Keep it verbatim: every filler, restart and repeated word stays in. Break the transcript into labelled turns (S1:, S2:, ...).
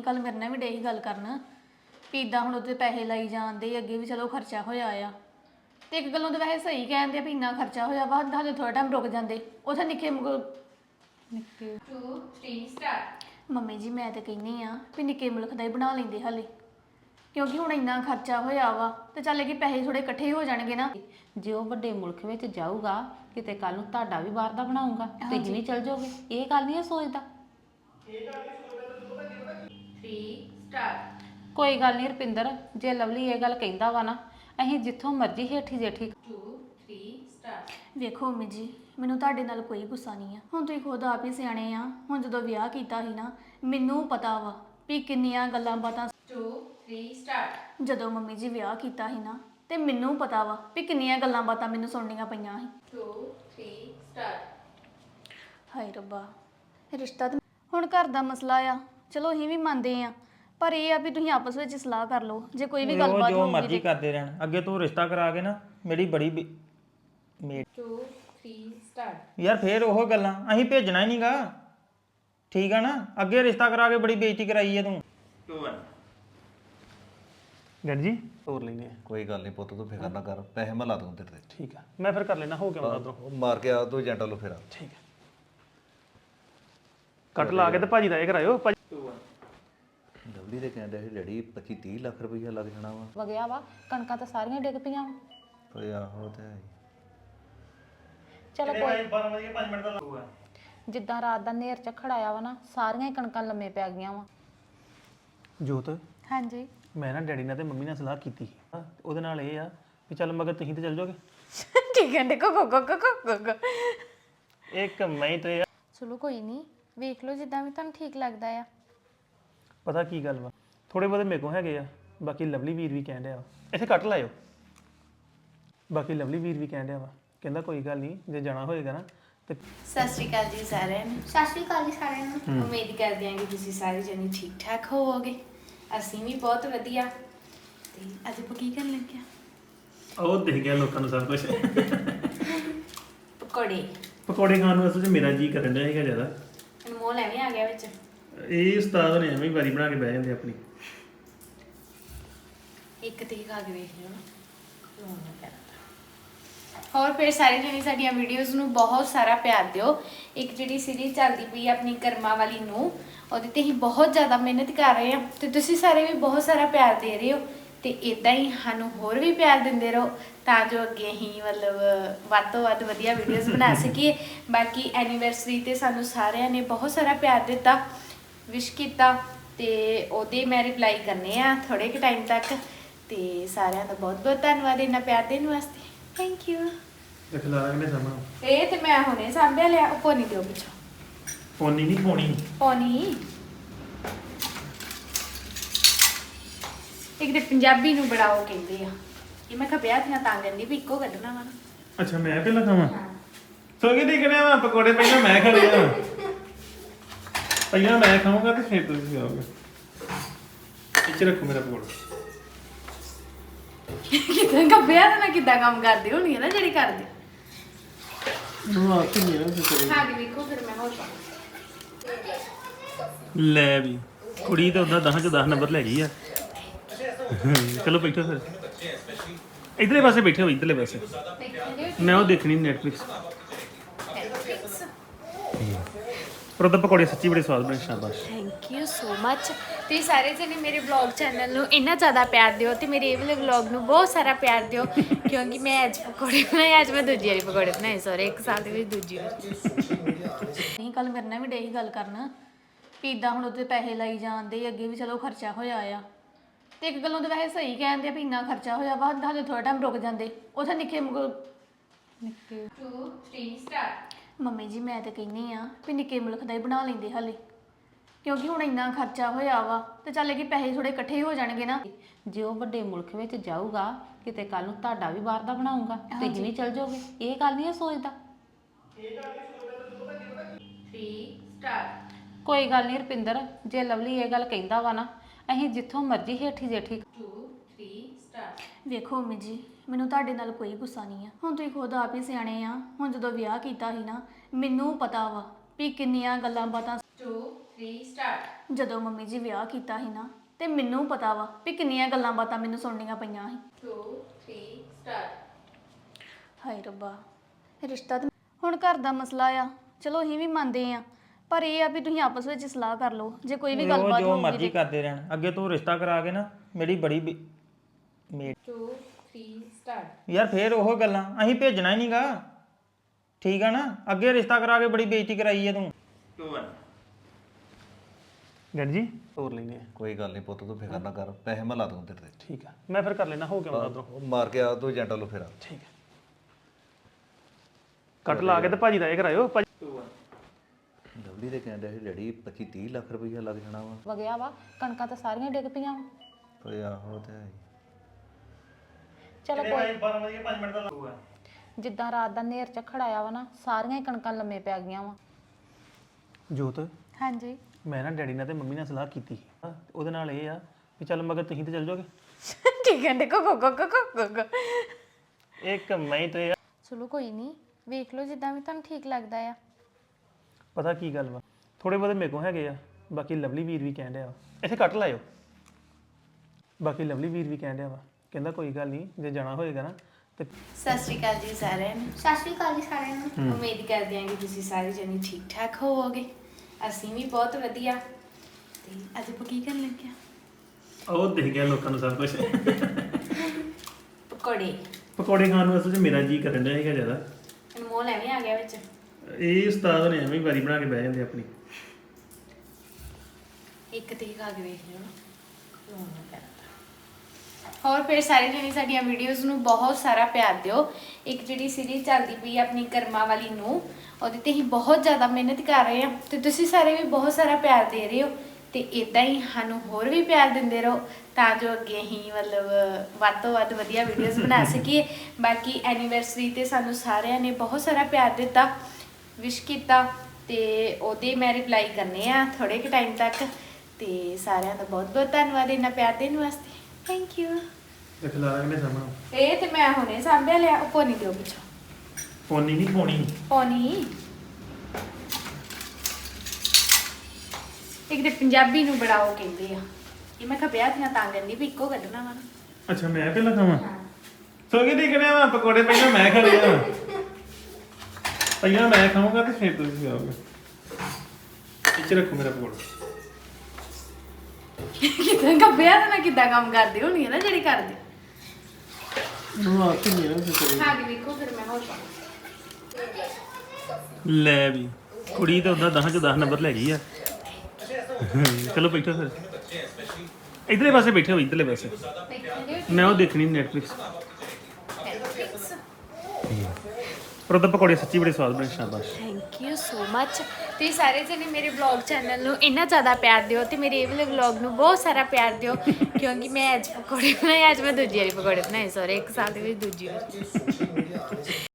S1: ਕੱਲ ਮੇਰੇ ਨਾਲ ਵੀ ਡੇ ਹੀ ਗੱਲ ਕਰਨ ਵੀ ਇਦਾਂ ਹੁਣ ਉਹਦੇ ਪੈਸੇ ਲਾਈ ਜਾਂਦੇ ਅੱਗੇ ਵੀ ਚਲੋ ਖਰਚਾ ਹੋਇਆ ਆ ਤੇ ਇੱਕ ਗੱਲੋਂ ਤਾਂ ਵੈਸੇ ਸਹੀ ਕਹਿੰਦੇ ਆ ਵੀ ਇੰਨਾ ਖਰਚਾ ਹੋਇਆ ਵਾ ਹਾਲੇ ਥੋੜਾ ਟਾਈਮ ਰੁਕ ਜਾਂਦੇ ਉਥੇ ਨਿੱਕੇ ਮੁਲਕ ਨਿੱਕੇ
S2: two three start
S1: ਮੰਮੀ ਜੀ ਮੈਂ ਤਾਂ ਕਹਿੰਦੀ ਆ ਵੀ ਨਿੱਕੇ ਮੁਲਕ ਦਾ ਹੀ ਬਣਾ ਲੈਂਦੇ ਹਾਲੇ ਕਿਉਂਕਿ ਹੁਣ ਇੰਨਾ ਖਰਚਾ ਹੋਇਆ ਵਾ ਤੇ ਚੱਲ ਕਿ ਪੈਸੇ ਥੋੜੇ ਇਕੱਠੇ ਹੋ ਜਾਣਗੇ ਨਾ
S3: ਜੇ ਉਹ ਵੱਡੇ ਮੁਲਕ ਵਿੱਚ ਜਾਊਗਾ ਕਿਤੇ ਕੱਲ ਨੂੰ ਤੁਹਾਡਾ ਵੀ ਬਾਹਰ ਦਾ ਬਣਾਊਗਾ ਤੁਸੀਂ ਵੀ ਚਲ ਜਾਓਗੇ ਇਹ ਗੱਲ ਨਹੀਂ ਸੋਚਦਾ
S2: three start
S3: ਕੋਈ ਗੱਲ ਨਹੀਂ ਰੁਪਿੰਦਰ ਜੇ ਲਵਲੀ ਇਹ ਗੱਲ ਕਹਿੰਦਾ ਵਾ ਨਾ ਅਸੀਂ ਜਿੱਥੋਂ ਮਰਜ਼ੀ ਹੇਠੀ ਜੇਠੀ
S2: two three start
S1: ਵੇਖੋ ਮੰਮੀ ਜੀ ਮੈਨੂੰ ਤੁਹਾਡੇ ਨਾਲ ਕੋਈ ਗੁੱਸਾ ਨਹੀਂ ਆ ਹੁਣ ਤੁਸੀਂ ਖੁਦ ਆਪ ਹੀ ਸਿਆਣੇ ਆ ਹੁਣ ਜਦੋਂ ਵਿਆਹ ਕੀਤਾ ਸੀ ਨਾ ਮੈਨੂੰ ਪਤਾ ਵਾ ਵੀ ਕਿੰਨੀਆਂ ਗੱਲਾਂ ਬਾਤਾਂ
S2: two three start
S1: ਜਦੋਂ ਮੰਮੀ ਜੀ ਵਿਆਹ ਕੀਤਾ ਸੀ ਨਾ ਤੇ ਮੈਨੂੰ ਪਤਾ ਵਾ ਵੀ ਕਿੰਨੀਆਂ ਗੱਲਾਂ ਬਾਤਾਂ ਮੈਨੂੰ ਸੁਣਨੀਆਂ ਪਈਆਂ ਸੀ
S2: two three start
S1: ਹਾਏ ਰੱਬਾ ਰਿਸ਼ਤਾ ਤੇ ਹੁਣ ਘਰ ਦਾ ਮਸਲਾ ਆ ਚਲੋ ਅਸੀਂ ਵੀ ਮੰਨਦੇ ਆ ਪਰ ਇਹ ਆ ਵੀ ਤੁਸੀਂ ਆਪਸ ਵਿੱਚ ਸਲਾਹ ਕਰ ਲਓ ਜੇ ਕੋਈ ਵੀ ਗੱਲਬਾਤ
S4: ਜੋ
S1: ਹੋਊਗੀ
S4: ਮਰਜ਼ੀ ਕਰਦੇ ਰਹਿਣ ਅੱਗੇ ਤੂੰ ਰਿਸ਼ਤਾ ਕਰਾ ਕੇ ਨਾ ਮੇਰੀ ਬੜੀ ਬੇ- ਮੇ
S2: two three start
S4: ਯਾਰ ਫੇਰ ਉਹ ਗੱਲਾਂ ਅਸੀਂ ਭੇਜਣਾ ਹੀ ਨਹੀਂਗਾ ਠੀਕ ਆ ਨਾ ਅੱਗੇ ਰਿਸ਼ਤਾ ਕਰਾ ਕੇ ਬੜੀ ਬੇਇੱਜ਼ਤੀ ਕਰਾਈ ਹੈ ਤੂੰ
S5: ਡੈਡ ਜੀ ਤੋਰ ਲੈਨੇ
S6: ਕੋਈ ਗੱਲ ਨਹੀਂ ਪੁੱਤ ਤੂੰ ਫਿਕਰ ਨਾ ਕਰ ਪੈਸੇ ਮੈਂ ਲਾ ਦੂੰ ਤੇਰੇ ਤੇ
S5: ਠੀਕ ਆ ਮੈਂ ਫਿਰ ਕਰ ਲੈਣਾ ਹੋ ਗਿਆ ਉਧਰੋਂ
S6: ਉਹ ਮਾਰ ਕੇ ਆ ਤੂੰ ਏਜੰਟ ਵੱਲੋਂ ਫੇਰ ਆ
S5: ਠੀਕ ਹੈ ਕੱਟ ਲਾ ਕੇ ਤੇ ਭਾਜੀ ਦਾ ਇਹ ਕਰਾਇਓ ਭਾਜੀ
S6: ਲਵਲੀ ਦੇ ਕਹਿੰਦੇ ਸੀ ਡੈਡੀ ਪੱਚੀ ਤੀਹ ਲੱਖ ਰੁਪਈਆ ਲੱਗ ਜਾਣਾ ਵਾ
S3: ਵਗਿਆ ਵਾ ਕਣਕਾਂ ਤਾਂ ਸਾਰੀਆਂ ਡਿੱਗ ਪਈਆਂ ਵਾ
S6: ਓਏ ਆਹੋ ਤੇ ਹੈ ਹੀ।
S3: ਚਲੋ ਕੋਈ ਬਾਰਾਂ ਵਜੇ ਪੰਜ ਮਿੰਟ ਦਾ ਜਿੱਦਾਂ ਰਾਤ ਦਾ ਨੇਰ ਝਖੜ ਆਇਆ ਵਾ ਨਾ ਸਾਰੀਆਂ ਹੀ ਕਣਕਾਂ ਲੰਮੇ ਪੈ ਗਈਆਂ ਵਾ
S5: ਜੋਤ
S1: ਹਾਂਜੀ
S5: ਮੈਂ ਨਾ ਡੈਡੀ ਨਾਲ ਤੇ ਮੰਮੀ ਨਾਲ ਸਲਾਹ ਕੀਤੀ ਹਾਂ, ਉਹਦੇ ਨਾਲ ਇਹ ਆ ਵੀ ਚੱਲ ਮਗਰ ਤੁਸੀਂ ਤੇ ਚੱਲ ਜਾਓਗੇ
S1: ਠੀਕ ਹੈ ਦੇਖੋ ਕੋ ਕੋ ਕੋ ਕੋ
S5: ਇੱਕ ਮੈਂ ਤੇ
S7: ਚਲੋ ਕੋਈ ਨਹੀਂ ਵੇਖ ਲਓ ਜਿੱਦਾਂ ਵੀ ਤੁਹਾਨੂੰ ਠੀਕ ਲੱਗਦਾ ਆ
S5: ਪਤਾ ਕੀ ਗੱਲ ਵਾ ਥੋੜੇ ਬਹੁਤੇ ਮੇਰੇ ਕੋਲ ਹੈਗੇ ਆ ਬਾਕੀ ਲਵਲੀ ਵੀਰ ਵੀ ਕਹਿਣ ਡਿਆ ਵਾ ਇੱਥੇ ਕੱਟ ਲਾਇਓ ਬਾਕੀ ਲਵਲੀ ਵੀਰ ਵੀ ਕਹਿਣ ਡਿਆ ਵਾ ਕਹਿੰਦਾ ਕੋਈ ਗੱਲ ਨਹੀਂ ਜੇ ਜਾਣਾ ਹੋਏਗਾ ਨਾ ਤੇ
S2: ਸਤਿ ਸ਼੍ਰੀ ਅਕਾਲ ਜੀ ਸਾਰਿਆਂ ਨੂੰ
S7: ਸਤਿ ਸ਼੍ਰੀ ਅਕਾਲ ਜੀ ਸਾਰਿਆਂ ਨੂੰ
S2: ਉਮੀਦ ਕਰਦੇ ਹਾਂ ਕਿ ਤੁਸੀਂ ਸਾਰੇ ਜਣੇ ਠੀਕ ਠਾਕ ਹੋਵੋਗੇ ਅਸੀਂ ਵੀ ਬਹੁਤ ਵਧੀਆ ਤੇ ਅੱਜ ਆਪਾਂ ਕੀ ਕਰਨ ਲੱਗੇ ਆ
S5: ਉਹ ਦੇਖ ਗਿਆ ਲੋਕਾਂ ਨੂੰ ਸਭ ਕੁਝ
S2: ਪਕੌੜੇ
S5: ਪਕੌੜੇ ਖਾਣ ਨੂੰ ਅਸਲ 'ਚ ਮੇਰਾ ਜੀ ਕਰਨ ਡਿਆ ਹੈਗਾ ਜ਼ਿਆਦਾ
S2: ਅਨਮੋਲ ਐਵੇਂ ਆ ਗਿਆ ਵਿੱਚ
S5: ਇਹ ਉਸਤਾਦ ਨੇ ਐਵੇਂ ਹੀ ਵਾਰੀ ਬਣਾ ਕੇ ਬਹਿ ਜਾਂਦੇ ਆਪਣੀ
S2: ਇੱਕ ਤੇ ਖਾ ਕੇ ਵੇਖ ਲਿਓ ਨਾ ਲੋਨ ਨਾ ਹੋਰ ਫਿਰ ਸਾਰੇ ਜਣੇ ਸਾਡੀਆਂ ਵੀਡੀਓਜ਼ ਨੂੰ ਬਹੁਤ ਸਾਰਾ ਪਿਆਰ ਦਿਓ ਇੱਕ ਜਿਹੜੀ ਸੀਰੀਜ਼ ਚੱਲਦੀ ਪਈ ਆ ਆਪਣੀ ਕਰਮਾਂ ਵਾਲੀ ਨੂੰ ਉਹਦੇ ਤੇ ਹੀ ਬਹੁਤ ਜ਼ਿਆਦਾ ਮਿਹਨਤ ਕਰ ਰਹੇ ਆ ਤੇ ਤੁਸੀਂ ਸਾਰੇ ਵੀ ਬਹੁਤ ਸਾਰਾ ਪਿਆਰ ਦੇ ਰਹੇ ਹੋ ਤੇ ਇਦਾਂ ਹੀ ਸਾਨੂੰ ਹੋਰ ਵੀ ਪਿਆਰ ਦਿੰਦੇ ਰਹੋ ਤਾਂ ਜੋ ਅੱਗੇ ਹੀ ਮਤਲਬ ਵੱਧ ਤੋਂ ਵੱਧ ਵਧੀਆ ਵੀਡੀਓਜ਼ ਬਣਾ ਸਕੀਏ ਬਾਕੀ ਐਨੀਵਰਸਰੀ ਤੇ ਸਾਨੂੰ ਸਾਰਿਆਂ ਨੇ ਬਹੁਤ ਸਾਰਾ ਪਿਆਰ ਦਿੱਤਾ ਵਿਸ਼ ਕੀਤਾ ਤੇ ਉਹਦੇ ਮੈਂ ਰਿਪਲਾਈ ਕਰਨੇ ਆ ਥੋੜੇ ਕੁ ਟਾਈਮ ਤੱਕ ਤੇ ਸਾਰਿਆਂ ਦਾ ਬਹੁਤ ਬਹੁਤ ਧੰਨਵਾਦ ਇੰਨਾ ਪਿਆਰ ਦੇਣ ਵਾਸਤੇ ਥੈਂਕ ਯੂ
S5: ਦੇਖ ਲਾ ਰੰਗ ਨੇ ਸਾਹਮਣੇ
S2: ਇਹ ਤੇ ਮੈਂ ਹੁਣੇ ਸਾਂਭਿਆ ਲਿਆ ਉਹ ਪੋਨੀ ਦਿਓ ਪਿੱਛੋਂ
S5: ਪੋਨੀ ਨਹੀਂ ਪੋਣੀ
S2: ਪੋਨੀ ਇੱਕ ਤੇ ਪੰਜਾਬੀ ਨੂੰ ਬੜਾ ਉਹ ਕਹਿੰਦੇ ਆ ਇਹ ਮੈਂ ਖਪਿਆ ਥੀਆਂ ਤਾਂ ਕਹਿੰਦੀ ਵੀ ਇੱਕੋ ਕੱਢਣਾ ਵਾ ਨਾ
S5: ਅੱਛਾ ਮੈਂ ਪਹਿਲਾਂ ਖਾਵਾਂ ਸੋ ਕੀ ਦੇਖਣੇ ਆ ਪਕੌੜੇ ਪਹਿਲਾਂ ਮੈਂ ਖਾਣੇ ਆ ਪਹਿਲਾਂ ਮੈਂ ਖਾਵਾਂਗਾ ਤੇ ਫਿਰ ਤੁਸੀਂ ਖਾਓਗੇ ਇੱਥੇ ਰੱਖੋ ਮੇਰਾ ਪਕੌੜਾ
S2: ਕਿਦਾਂ ਖਪਿਆ ਤਾਂ ਨਾ ਕਿਦਾਂ ਕੰਮ ਕਰਦੇ ਹੋਣੀ ਹੈ ਨਾ ਜਿਹੜੀ ਕਰਦੇ
S5: ਨੂੰ ਆ ਕੇ ਨਹੀਂ ਨਾ
S2: ਖਾ ਕੇ ਵੇਖੋ ਫਿਰ ਮੈਂ ਹੋਰ ਪਾਵਾਂ
S5: ਲੈ ਵੀ ਕੁੜੀ ਤਾਂ ਉਦਾਂ ਦਸ ਚ ਦਸ ਨੰਬਰ ਲੈ ਗਈ ਆ ਚਲੋ ਬੈਠੋ ਫਿਰ ਇਧਰਲੇ ਪਾਸੇ ਬੈਠੇ ਹੋ ਇਧਰਲੇ ਪਾਸੇ ਮੈਂ ਉਹ ਦੇਖਣੀ ਨੈਟਫਲਿਕਸ ਪਰ ਉਹਦਾ ਪਕੌੜੇ ਸੱਚੀ ਬੜੇ ਸਵਾਦ ਬਣੇ ਸ਼ਾਬਾਸ਼
S7: ਥੈਂਕ ਯੂ ਸੋ ਮੱਚ ਤੁਸੀਂ ਸਾਰੇ ਜਣੇ ਮੇਰੇ ਵਲੌਗ ਚੈਨਲ ਨੂੰ ਇੰਨਾ ਜ਼ਿਆਦਾ ਪਿਆਰ ਦਿਓ ਤੇ ਮੇਰੇ ਇਹ ਵਾਲੇ ਵਲੌਗ ਨੂੰ ਬਹੁਤ ਸਾਰਾ ਪਿਆਰ ਦਿਓ ਕਿਉਂਕਿ ਮੈਂ ਅੱਜ ਪਕੌੜੇ ਬਣਾਏ ਅੱਜ ਮੈਂ ਦੂਜੀ ਵਾਰੀ ਪਕੌੜੇ ਬਣਾਏ ਸੋਰੀ ਇੱਕ ਸਾਲ ਦੇ ਵਿੱਚ ਦੂਜੀ ਵਾਰੀ
S1: ਨਹੀਂ ਕੱਲ ਮੇਰੇ ਨਾਲ ਵੀ ਡੇ ਹੀ ਗੱਲ ਕਰਨ ਵੀ ਇਦਾਂ ਹੁਣ ਉਹਦੇ ਪੈਸੇ ਲਾਈ ਜਾਂਦੇ ਅੱਗੇ ਵੀ ਚਲੋ ਖਰਚਾ ਹੋਇਆ ਆ ਤੇ ਇੱਕ ਗੱਲੋਂ ਤਾਂ ਵੈਸੇ ਸਹੀ ਕਹਿੰਦੇ ਆ ਵੀ ਇੰਨਾ ਖਰਚਾ ਹੋਇਆ ਵਾ ਹਾਲੇ ਥੋੜਾ ਟਾਈਮ ਰੁਕ ਜਾਂਦੇ ਉਥੇ ਨਿੱਕੇ ਮੁਲਕ ਨਿੱਕੇ
S2: two three start
S1: ਮੰਮੀ ਜੀ ਮੈਂ ਤਾਂ ਕਹਿੰਦੀ ਆ ਵੀ ਨਿੱਕੇ ਮੁਲਕ ਦਾ ਹੀ ਬਣਾ ਲੈਂਦੇ ਹਾਲੇ ਕਿਉਂਕਿ ਹੁਣ ਇੰਨਾ ਖਰਚਾ ਹੋਇਆ ਵਾ ਤੇ ਚੱਲ ਕਿ ਪੈਸੇ ਥੋੜੇ ਇਕੱਠੇ ਹੋ ਜਾਣਗੇ ਨਾ
S3: ਜੇ ਉਹ ਵੱਡੇ ਮੁਲਕ ਵਿੱਚ ਜਾਊਗਾ ਕਿਤੇ ਕੱਲ ਨੂੰ ਤੁਹਾਡਾ ਵੀ ਬਾਹਰ ਦਾ ਬਣਾਊਗਾ ਤੁਸੀਂ ਵੀ ਚਲ ਜਾਓਗੇ ਇਹ ਗੱਲ ਨਹੀਂ ਸੋਚਦਾ
S2: three start
S3: ਕੋਈ ਗੱਲ ਨਹੀਂ ਰੁਪਿੰਦਰ ਜੇ ਲਵਲੀ ਇਹ ਗੱਲ ਕਹਿੰਦਾ ਵਾ ਨਾ ਅਸੀਂ ਜਿੱਥੋਂ ਮਰਜ਼ੀ ਹੇਠੀ ਜੇਠੀ
S2: two three start
S1: ਵੇਖੋ ਮੰਮੀ ਜੀ ਮੈਨੂੰ ਤੁਹਾਡੇ ਨਾਲ ਕੋਈ ਗੁੱਸਾ ਨਹੀਂ ਆ ਹੁਣ ਤੁਸੀਂ ਖੁਦ ਆਪ ਹੀ ਸਿਆਣੇ ਆ ਹੁਣ ਜਦੋਂ ਵਿਆਹ ਕੀਤਾ ਸੀ ਨਾ ਮੈਨੂੰ ਪਤਾ ਵਾ ਵੀ ਕਿੰਨੀਆਂ ਗੱਲਾਂ ਬਾਤਾਂ
S2: two ਥ੍ਰੀ ਸਟਾਰਟ।
S1: ਜਦੋਂ ਮੰਮੀ ਜੀ ਵਿਆਹ ਕੀਤਾ ਸੀ ਨਾ ਤੇ ਮੈਨੂੰ ਪਤਾ ਵਾ ਵੀ ਕਿੰਨੀਆਂ ਗੱਲਾਂ ਬਾਤਾਂ ਮੈਨੂੰ ਸੁਣਨੀਆਂ ਪਈਆਂ ਸੀ।
S2: To three start.
S1: ਹਾਏ ਰੱਬਾ ਰਿਸ਼ਤਾ ਤੇ ਹੁਣ ਘਰ ਦਾ ਮਸਲਾ ਆ, ਚਲੋ ਅਸੀਂ ਵੀ ਮੰਨਦੇ ਆ, ਪਰ ਇਹ ਆ ਵੀ ਤੁਸੀਂ ਆਪਸ ਵਿੱਚ ਸਲਾਹ ਕਰ ਲਓ ਜੇ ਕੋਈ ਵੀ
S4: ਉਹ
S1: ਗੱਲਬਾਤ
S4: ਜੋ
S1: ਹੋਊਗੀ
S4: ਮਰਜ਼ੀ
S1: ਤੇ।
S4: ਕਰਦੇ ਰਹਿਣ, ਅੱਗੇ ਤੂੰ ਰਿਸ਼ਤਾ ਕਰਾ ਕੇ ਨਾ ਮੇਰੀ ਬੜੀ ਬੇ- ਮੇ
S2: ਟੂ ਥ੍ਰੀ ਸਟਾਰਟ।
S4: ਯਾਰ ਫੇਰ ਉਹ ਗੱਲਾਂ ਅਸੀਂ ਭੇਜਣਾ ਹੀ ਨਹੀਂਗਾ, ਠੀਕ ਆ ਨਾ। ਅੱਗੇ ਰਿਸ਼ਤਾ ਕਰਾ ਕੇ ਬੜੀ ਬੇਇੱਜ਼ਤੀ ਕਰਾਈ ਹੈ ਤੂੰ।
S5: ਡੈਡੀ ਜੀ ਤੋਰ ਲੈਂਦੇ ਆ
S6: ਕੋਈ ਗੱਲ ਨਹੀਂ ਪੁੱਤ, ਤੂੰ ਫਿਕਰ ਨਾ ਕਰ, ਪੈਸੇ ਮੈਂ ਲਾ ਦੂੰ ਤੇਰੇ ਤੇ।
S5: ਠੀਕ ਆ ਮੈਂ ਫਿਰ ਕਰ ਲੈਣਾ ਹੋ ਗਿਆ ਉਧਰੋਂ
S6: ਉਹ ਮਾਰ ਕੇ ਆ ਤੂੰ ਏਜੰਟ ਵੱਲੋਂ ਫੇਰਾ।
S5: ਠੀਕ ਹੈ ਕੱਟ ਲਾ ਕੇ ਤੇ ਭਾਜੀ ਦਾ ਇਹ ਕਰਾਇਓ ਭਾਜੀ
S6: ਲਵਲੀ ਦੇ ਕਹਿੰਦੇ ਸੀ ਡੈਡੀ ਪੱਚੀ ਤੀਹ ਲੱਖ ਰੁਪਈਆ ਲੱਗ ਜਾਣਾ ਵਾ।
S3: ਵਗਿਆ ਵਾ ਕਣਕਾਂ ਤਾਂ ਸਾਰੀਆਂ ਡਿੱਗ ਪਈਆਂ ਵਾ।
S6: ਓਏ ਆਹੋ ਤੇ ਹੈ ਹੀ।
S3: ਚਲੋ ਕੋਈ ਜਿੱਦਾਂ ਰਾਤ ਦਾ ਨੇਰ ਚ ਖੜਾਇਆ ਵਾ ਨਾ, ਸਾਰੀਆਂ ਹੀ ਕਣਕਾਂ ਲੰਮੇ ਪੈ ਗਈਆਂ ਵਾ।
S5: ਜੋਤ
S3: ਹਾਂਜੀ
S5: ਮੈਂ ਨਾ ਡੈਡੀ ਨਾਲ ਤੇ ਮੰਮੀ ਨਾਲ ਸਲਾਹ ਕੀਤੀ ਹਾਂ, ਤੇ ਉਹਦੇ ਨਾਲ ਇਹ ਆ ਵੀ ਚੱਲ ਮਗਰ ਤੁਸੀਂ ਤੇ ਚੱਲ ਜਾਓਗੇ
S3: ਠੀਕ ਹੈ ਦੇਖੋ ਕੋ ਕੋ ਕੋ ਕੋ
S5: ਇੱਕ ਮੈਂ ਤੇ
S7: ਚਲੋ ਕੋਈ ਨਹੀਂ, ਵੇਖ ਲਓ ਜਿੱਦਾਂ ਵੀ ਤੁਹਾਨੂੰ ਠੀਕ ਲੱਗਦਾ ਆ।
S5: ਪਤਾ ਕੀ ਗੱਲ ਵਾ, ਥੋੜੇ ਬਹੁਤੇ ਮੇਰੇ ਕੋਲ ਹੈਗੇ ਆ, ਬਾਕੀ ਲਵਲੀ ਵੀਰ ਵੀ ਕਹਿਣ ਡਿਆ ਵਾ ਇੱਥੇ ਕੱਟ ਲਾਇਓ। ਬਾਕੀ ਲਵਲੀ ਵੀਰ ਵੀ ਕਹਿਣ ਡਿਆ ਵਾ, ਕਹਿੰਦਾ ਕੋਈ ਗੱਲ ਨਹੀਂ ਜੇ ਜਾਣਾ ਹੋਏਗਾ ਨਾ ਤੇ
S2: ਸਤਿ ਸ਼੍ਰੀ ਅਕਾਲ ਜੀ ਸਾਰਿਆਂ ਨੂੰ।
S7: ਸਤਿ ਸ਼੍ਰੀ ਅਕਾਲ ਜੀ ਸਾਰਿਆਂ ਨੂੰ।
S2: ਉਮੀਦ ਕਰਦੇ ਹਾਂ ਕਿ ਤੁਸੀਂ ਸਾਰੇ ਜਣੇ ਠੀਕ ਠਾਕ ਹੋਵੋਗੇ। ਅਸੀਂ ਵੀ ਬਹੁਤ ਵਧੀਆ। ਤੇ ਅੱਜ ਆਪਾਂ ਕੀ ਕਰਨ ਲੱਗੇ ਆ?
S5: ਉਹ ਦੇਖ ਗਿਆ ਲੋਕਾਂ ਨੂੰ ਸਭ ਕੁਝ
S2: ਪਕੌੜੇ।
S5: ਪਕੌੜੇ ਖਾਣ ਨੂੰ ਅਸਲ 'ਚ ਮੇਰਾ ਜੀ ਕਰਨ ਡਿਆ ਹੈਗਾ ਜ਼ਿਆਦਾ।
S2: ਅਨਮੋਲ ਐਵੇਂ ਆ ਗਿਆ ਵਿੱਚ।
S5: ਇਹ ਉਸਤਾਦ ਨੇ ਐਵੇਂ ਹੀ ਵਾਰੀ ਬਣਾ ਕੇ ਬਹਿ ਜਾਂਦੇ ਆਪਣੀ।
S2: ਇੱਕ ਤੇ ਖਾ ਕੇ ਵੇਖ ਲਿਓ ਨਾ, ਲੋਨ ਨਾ ਪੈਣਾ। ਹੋਰ ਫਿਰ ਸਾਰੇ ਜਣੇ ਸਾਡੀਆਂ ਵੀਡੀਓਜ਼ ਨੂੰ ਬਹੁਤ ਸਾਰਾ ਪਿਆਰ ਦਿਓ। ਇੱਕ ਜਿਹੜੀ ਸੀਰੀਜ਼ ਚੱਲਦੀ ਪਈ ਆ ਆਪਣੀ ਕਰਮਾਂ ਵਾਲੀ ਨੂੰ, ਉਹਦੇ ਤੇ ਹੀ ਬਹੁਤ ਜ਼ਿਆਦਾ ਮਿਹਨਤ ਕਰ ਰਹੇ ਆ ਤੇ ਤੁਸੀਂ ਸਾਰੇ ਵੀ ਬਹੁਤ ਸਾਰਾ ਪਿਆਰ ਦੇ ਰਹੇ ਹੋ ਤੇ ਇਦਾਂ ਹੀ ਸਾਨੂੰ ਹੋਰ ਵੀ ਪਿਆਰ ਦਿੰਦੇ ਰਹੋ ਤਾਂ ਜੋ ਅੱਗੇ ਹੀ ਮਤਲਬ ਵੱਧ ਤੋਂ ਵੱਧ ਵਧੀਆ ਵੀਡੀਓਜ਼ ਬਣਾ ਸਕੀਏ। ਬਾਕੀ ਐਨੀਵਰਸਰੀ ਤੇ ਸਾਨੂੰ ਸਾਰਿਆਂ ਨੇ ਬਹੁਤ ਸਾਰਾ ਪਿਆਰ ਦਿੱਤਾ, ਵਿਸ਼ ਕੀਤਾ ਤੇ ਉਹਦੇ ਮੈਂ ਰਿਪਲਾਈ ਕਰਨੇ ਆ ਥੋੜੇ ਕੁ ਟਾਈਮ ਤੱਕ। ਤੇ ਸਾਰਿਆਂ ਦਾ ਬਹੁਤ ਬਹੁਤ ਧੰਨਵਾਦ ਇੰਨਾ ਪਿਆਰ ਦੇਣ ਵਾਸਤੇ। Thank you.
S5: ਤੇ ਖਿਲਾਰਾ ਕਿਨੇ ਸਾਹਮਣੇ
S2: ਇਹ ਤੇ ਮੈਂ ਹੁਣੇ ਸਾਂਭਿਆ ਲਿਆ, ਉਹ ਪੋਨੀ ਦਿਓ ਪਿੱਛੋਂ।
S5: ਪੋਨੀ ਨਹੀਂ ਪੋਣੀ
S2: ਪੋਨੀ ਇੱਕ ਤੇ ਪੰਜਾਬੀ ਨੂੰ ਬੜਾ ਉਹ ਕਹਿੰਦੇ ਆ, ਇਹ ਮੈਂ ਖਪਿਆ ਥੀਆਂ ਤਾਂ ਕਹਿੰਦੀ ਵੀ ਇੱਕੋ ਕੱਢਣਾ ਵਾ।
S5: ਅੱਛਾ ਮੈਂ ਪਹਿਲਾਂ ਖਾਵਾਂ ਸੋ ਕੀ ਦੇਖਣੇ ਆ ਪਕੌੜੇ ਪਹਿਲਾਂ ਮੈਂ ਖਾ ਲਿਆ ਪਹਿਲਾਂ ਮੈਂ ਖਾਵਾਂਗਾ ਤੇ ਫਿਰ ਤੁਸੀਂ ਖਾਓਗੇ। ਇੱਥੇ ਰੱਖੋ ਮੇਰਾ ਪਕੌੜਾ।
S2: ਕਿਦਾਂ ਖਪਿਆ ਤਾਂ ਮੈਂ ਕਿਦਾਂ ਕੰਮ ਕਰਦੇ ਹੋਣੀ ਹੈ ਨਾ ਜਿਹੜੀ ਕਰਦੇ।
S5: ਨੂੰ ਆ ਕੇ ਨਹੀਂ ਨਾ
S2: ਖਾ ਕੇ ਵੇਖੋ ਫਿਰ ਮੈਂ ਹੋਰ ਪਾਵਾਂ।
S5: ਲੈ ਵੀ ਕੁੜੀ ਤਾਂ ਉਦਾਂ ਦਸ ਚ ਦਸ ਨੰਬਰ ਲੈ ਗਈ ਆ। ਚਲੋ ਬੈਠੋ ਫਿਰ ਇਧਰਲੇ ਪਾਸੇ ਬੈਠੇ ਹੋ, ਇਧਰਲੇ ਪਾਸੇ ਮੈਂ ਉਹ ਦੇਖਣੀ ਨੈਟਫਲਿਕਸ। ਪਰ ਉਹਦਾ ਪਕੌੜੇ ਸੱਚੀ ਬੜੇ ਸਵਾਦ ਬਣੇ। ਸ਼ਾਬਾਸ਼।
S7: Thank you so much. ਤੁਸੀਂ ਸਾਰੇ ਜਣੇ ਮੇਰੇ ਵਲੌਗ ਚੈਨਲ ਨੂੰ ਇੰਨਾ ਜ਼ਿਆਦਾ ਪਿਆਰ ਦਿਓ ਤੇ ਮੇਰੇ ਇਹ ਵਾਲੇ ਵਲੌਗ ਨੂੰ ਬਹੁਤ ਸਾਰਾ ਪਿਆਰ ਦਿਓ ਕਿਉਂਕਿ ਮੈਂ ਅੱਜ ਪਕੌੜੇ ਬਣਾਏ, ਅੱਜ ਮੈਂ ਦੂਜੀ ਵਾਰੀ ਪਕੌੜੇ ਬਣਾਏ। ਸੌਰੀ ਇੱਕ ਸਾਲ ਦੇ ਵਿੱਚ ਦੂਜੀ ਵਾਰ।